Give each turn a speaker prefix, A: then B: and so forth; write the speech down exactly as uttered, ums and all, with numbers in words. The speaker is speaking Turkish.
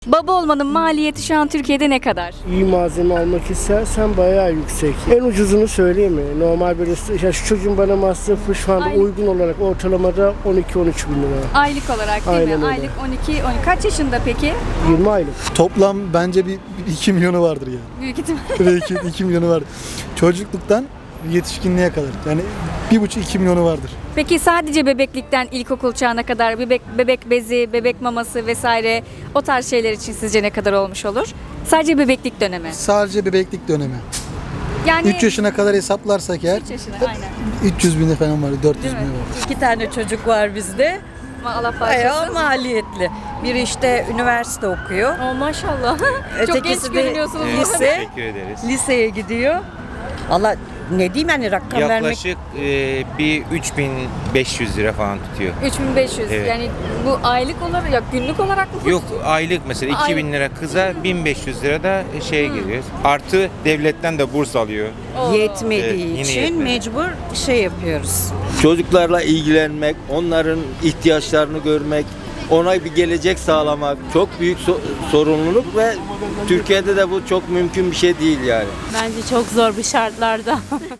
A: Baba olmanın maliyeti şu an Türkiye'de ne kadar?
B: İyi malzeme almak istersen bayağı yüksek. En ucuzunu söyleyeyim mi? Normal böyle ya şu çocuğun bana masrafı şu anda
A: Aylık.
B: uygun olarak ortalamada on iki on üç bin lira.
A: Aylık olarak değil
B: Aynen
A: mi?
B: öyle.
A: Aylık on iki on. Kaç yaşında peki?
B: yirmi aylık.
C: Toplam bence bir iki milyonu vardır yani.
A: Büyük ihtimal.
C: Belki iki milyonu vardır. Çocukluktan yetişkinliğe kadar. Yani bir buçuk iki milyonu vardır.
A: Peki sadece bebeklikten ilkokul çağına kadar bebek bebek bezi, bebek maması vesaire o tarz şeyler için sizce ne kadar olmuş olur? Sadece bebeklik dönemi.
C: Sadece bebeklik dönemi.
A: Yani
C: üç yaşına kadar hesaplarsak eğer
A: üç yaşına aynen.
C: üç yüz bini falan var, dört yüz
A: Değil
C: bini
A: mi?
C: var.
D: İki tane çocuk var bizde.
A: Allah
D: Bayağı
A: bağışlasın.
D: maliyetli. Biri işte üniversite okuyor.
A: Oh, maşallah. Çok genç
D: Ötekisi de
A: görünüyorsunuz.
D: lise.
E: Teşekkür ederiz.
D: Liseye gidiyor. Allah ne diyeyim yani rakam vermek.
E: Yaklaşık e, bir üç bin beş yüz lira falan tutuyor.
A: üç bin beş yüz
E: Evet.
A: yani bu aylık olarak ya günlük olarak mı?
E: Yok aylık mesela
A: Ay-
E: iki bin lira kıza bin beş yüz lira da şeye giriyor. Artı devletten de burs alıyor.
A: Oo.
D: Yetmediği
E: Evet, yine
D: için
E: yetmedi.
D: mecbur şey yapıyoruz.
F: Çocuklarla ilgilenmek, onların ihtiyaçlarını görmek, ona bir gelecek sağlamak çok büyük so- sorumluluk ve Türkiye'de de bu çok mümkün bir şey değil yani.
G: Bence çok zor bir şartlarda.